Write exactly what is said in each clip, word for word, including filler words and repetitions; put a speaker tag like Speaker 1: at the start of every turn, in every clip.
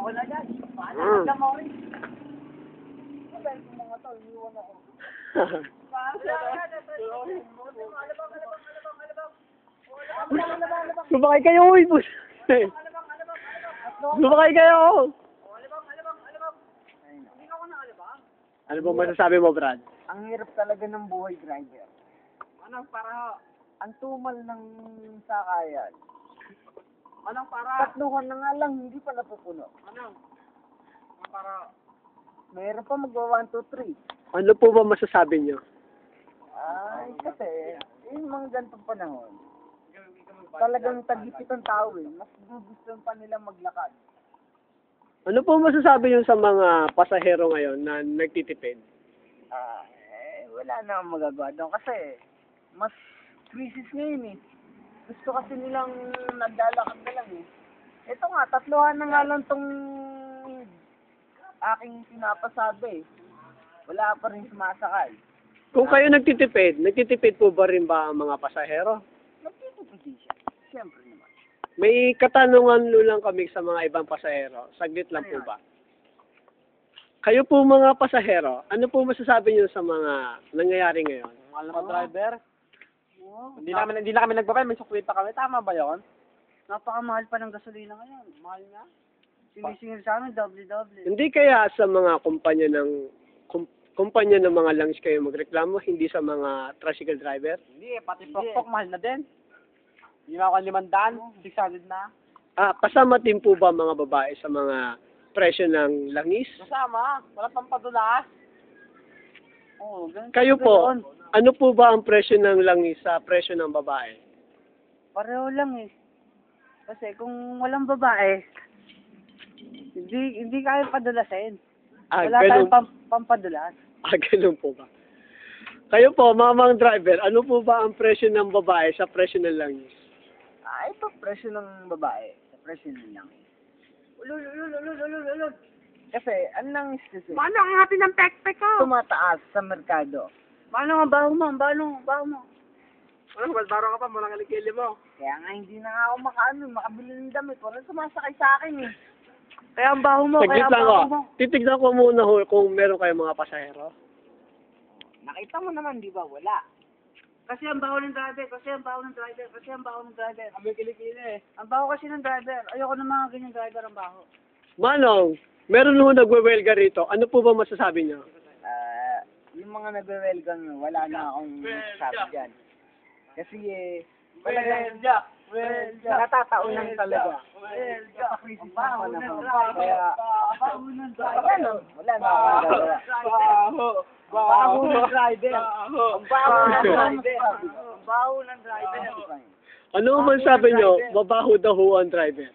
Speaker 1: wala yan. Paano
Speaker 2: Mm.
Speaker 1: ka mo rin? Dahil kung mga tao, iniwan ako. Paano ka? Alabang, alabang, alabang, alabang. Alabang, alabang, alabang.
Speaker 2: Sumakay kayo, uy, bus.
Speaker 1: Alabang, alabang, alabang.
Speaker 2: Sumakay kayo.
Speaker 1: Oh, alabang, alabang, alabang. Hindi ka ko na alabang.
Speaker 2: Ano ba masasabi mo, Brad?
Speaker 1: Ang hirap talaga ng buhay driver. Anong para? Ang tumal ng sakayan. Anong para? Tatluhan na nga lang, hindi pa napupuno. Anong? Anong para? Mayroon pa magwa one, two, three.
Speaker 2: Ano po ba masasabi nyo?
Speaker 1: Ay, kasi, yung mga ganitong panahon, talagang tagipit ang tao eh. Mas gusto pa nila maglakad.
Speaker 2: Ano po masasabi nyo sa mga pasahero ngayon na nagtitipid?
Speaker 1: Ah, eh, wala na akong magagawa doon kasi mas crisis ngayon eh. Gusto kasi nilang naglalakad na lang eh. Ito nga, tatluhan na nga lang tong aking pinapasabi eh. Wala pa rin sumasakay.
Speaker 2: Kung kayo nagtitipid, nagtitipid po ba rin ba ang mga pasahero?
Speaker 1: Nagtitipid din siya. Siyempre naman.
Speaker 2: May katanungan lo lang kami sa mga ibang pasahero. Saglit lang po ba? Kayo po mga pasahero, ano po masasabi niyo sa mga nangyayari ngayon?
Speaker 3: Mahal na driver.
Speaker 1: Oh,
Speaker 3: Hindi na kami hindi na kami nagbabay, may sukli pa kami. Tama ba 'yon?
Speaker 1: napakamahal pa ng gasolina ngayon. Mahal na. Sinisingil sa amin, doble-doble.
Speaker 2: Hindi kaya sa mga kumpanya ng kum, kumpanya ng mga langis kayo magreklamo, hindi sa mga tricycle driver?
Speaker 3: Hindi eh, pati pokpok mahal na din. Hindi na ako limandaan, six hundred na.
Speaker 2: Ah, kasama din po ba mga babae sa mga presyo ng langis?
Speaker 3: Kasama, wala pang padulas.
Speaker 1: Oo, ganun.
Speaker 2: Kayo po, ano po ba ang presyo ng langis sa presyo ng babae?
Speaker 1: Pareho lang eh. Kasi kung walang babae, hindi hindi kaya padulasin.
Speaker 2: Ah,
Speaker 1: Wala
Speaker 2: ganun,
Speaker 1: tayong pam, pampadulas.
Speaker 2: ah, ganun po ba? Kayo po, mamang driver, ano po ba ang presyo ng babae sa presyo ng langis?
Speaker 1: Ah, ito presyo ng babae. Sa presyo ng lang. Ulul, ulul, ulul, ulul, ulul. Kasi, ang langis kasi,
Speaker 3: Paano ang hati ng pekpek ko?
Speaker 1: tumataas sa merkado. Paano ang baho mo? Ang baho mo? Ang baho mo?
Speaker 3: Ano, balbaro ka pa, muna kalikili mo.
Speaker 1: Kaya nga hindi na nga ako makaano, makabili ng damit. Walang sumasakay sa akin eh. Kaya ang baho mo,
Speaker 2: Saglit
Speaker 1: kaya ang
Speaker 2: lang ko.
Speaker 1: baho mo.
Speaker 2: Titignan ko muna ho kung meron kayong mga pasahero.
Speaker 1: Nakita mo naman, di ba? Wala. Kasi ang baho ng driver, kasi ang baho ng driver, kasi ang baho ng driver.
Speaker 3: Kami kilikili eh.
Speaker 1: Ang baho kasi ng driver. Ayoko ng mga ganyan driver ang baho.
Speaker 2: Manong, meron ho nagwe-welga rito. Ano po ba masasabi niyo?
Speaker 1: Ah, yung mga nagwe-welcome, wala na akong sabi dyan. Kasi eh, talagang
Speaker 3: Welja! Welja!
Speaker 1: natataunan talaga.
Speaker 3: Welja!
Speaker 1: Ang baho na ho. Kaya, wala na, wala na akong magagawa.
Speaker 3: Baho!
Speaker 1: Baho ng driver.
Speaker 3: Baho!
Speaker 1: Ang baho ng driver. Ang baho ng driver.
Speaker 2: Ano man sabi niyo, mabaho daw ho ang driver.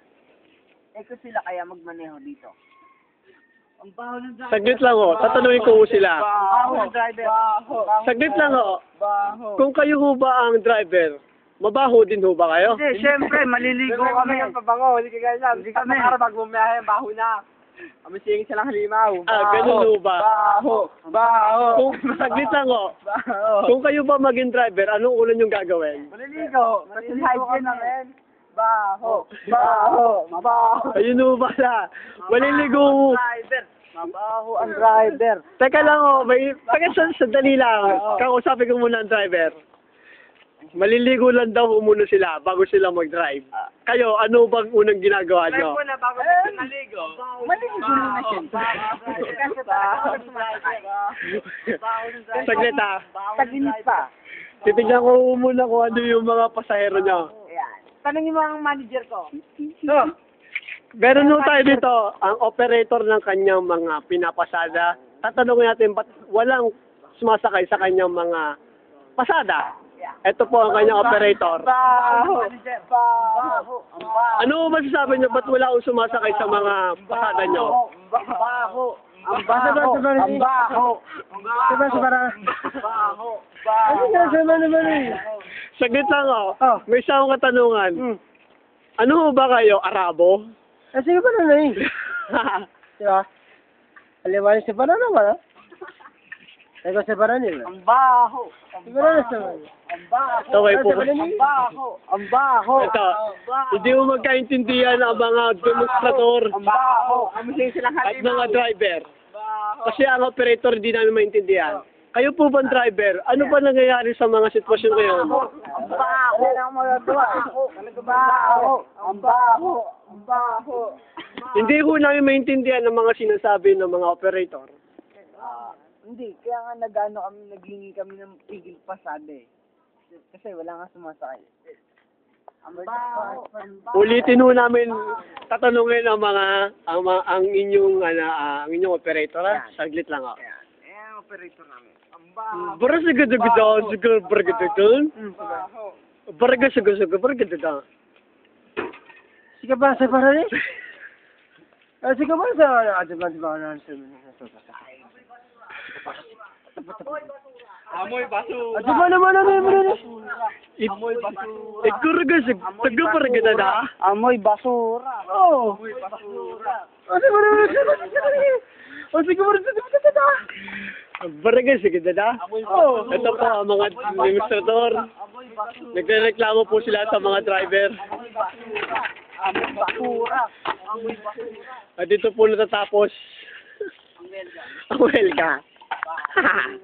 Speaker 1: Eh kung sila kaya magmaneho dito. Ang baho ng driver.
Speaker 2: Saglit lang ho, tatanungin ko ho sila.
Speaker 1: Ang baho ng driver.
Speaker 3: Baho!
Speaker 2: Saglit lang ho,
Speaker 3: Baho!
Speaker 2: kung kayo ho ba ang driver, mabaho din ho ba kayo?
Speaker 1: Hindi, syempre, maliligo
Speaker 3: Kami
Speaker 1: kami.
Speaker 3: ng pabango, hindi kagaya yan.
Speaker 1: Hindi
Speaker 3: Sa
Speaker 1: kami.
Speaker 3: araw pag bumiyahe, baho na. Kami singin silang halimaw.
Speaker 2: Ah, ganun ho ba?
Speaker 3: Baho! Baho!
Speaker 2: Kung saglit lang ho,
Speaker 3: Baho!
Speaker 2: kung kayo ba maging driver, anong ulan yung gagawin?
Speaker 3: Maliligo! Kasi
Speaker 1: Maliligo
Speaker 3: hygiene
Speaker 1: kami.
Speaker 3: namin. Baho! Baho! Mabaho!
Speaker 2: Ayun ho pala, maliligo ho.
Speaker 1: Driver. Mabaho ang driver.
Speaker 2: Teka lang ho, may, teka sa, sandali lang, kausapin ko muna ang driver. Maliligo lang daw ho muna sila bago sila mag-drive. Kayo, ano bang unang ginagawa nyo?
Speaker 3: na bago eh, naligo.
Speaker 1: Maliligo na siya. Kasi talaga ako sumasakay.
Speaker 2: Saglit ha.
Speaker 1: Taginit pa.
Speaker 2: Titignan ko muna kung ano yung mga pasahero nyo.
Speaker 1: Ayan. Tanongin mo ang manager ko.
Speaker 2: So, meron ho tayo dito, ang operator ng kanyang mga pinapasada. Tatanungin natin, ba't walang sumasakay sa kanyang mga pasada? Ito po ang kanyang operator.
Speaker 1: Baho. Manager. Baho. Ang baho.
Speaker 2: Ano ho masasabi nyo, ba't wala akong sumasakay sa mga pasada nyo?
Speaker 1: Ang baho. Ang
Speaker 2: Basta ba,
Speaker 1: baho.
Speaker 2: sa bali?
Speaker 1: Ang baho. Ang baho.
Speaker 2: Diba sa para?
Speaker 1: Baho.
Speaker 2: Ano
Speaker 1: Baho.
Speaker 2: nga sa naman eh? Saglit lang oh. May isa akong katanungan. Ano ho ba kayo, Arabo?
Speaker 1: Kasi ba na eh? Diba? Aliwanin si Banana ba? Ikaw sa Baranil. Ang baho. Ang baho. Ang baho.
Speaker 2: Okay po.
Speaker 1: Ang baho. Ang baho.
Speaker 2: Ito, hindi mo magkaintindihan ang mga demonstrator
Speaker 1: Ang baho. Amusin silang
Speaker 2: at mga driver. Kasi ang operator hindi namin maintindihan. Kayo po bang driver? Ano ba nangyayari sa mga sitwasyon ngayon?
Speaker 1: Ang baho. Yan ang magagawa. Ang baho. Ang baho. Ang baho.
Speaker 2: Hindi ko namin maintindihan ang mga sinasabi ng mga operator.
Speaker 1: Ah, hindi, kaya nga nag-ano kami, naghingi kami ng pigil pasada eh. Kasi wala nga sumasakay. Ang baho.
Speaker 2: Ulitin ho namin tatanungin ang mga ang, mga, ang inyong ano, ah, ang inyong operator ha. Saglit lang ako.
Speaker 1: Ayan, ayan ang operator namin. Ang baho.
Speaker 2: Bara sa gada gada, siguro bara gada gada.
Speaker 1: Ang baho.
Speaker 2: Bara gada siguro siguro bara gada gada.
Speaker 1: Sige ba sa Baranil? Ah, sige ba sa advance ba na sa
Speaker 3: Amoy basura.
Speaker 1: Ah, di ba naman ano yung Baranil?
Speaker 2: Amoy basura. Siguro gada siguro bara gada da.
Speaker 1: Amoy basura. Oo. Amoy basura. Ah, sige ba naman Ah, sige ba naman
Speaker 2: Bara gada siguro da.
Speaker 1: Oo.
Speaker 2: Ito po ang mga demonstrator. Nagrereklamo po sila sa mga driver.
Speaker 1: Amoy basura. Amoy basura.
Speaker 2: At dito po natatapos ang welga.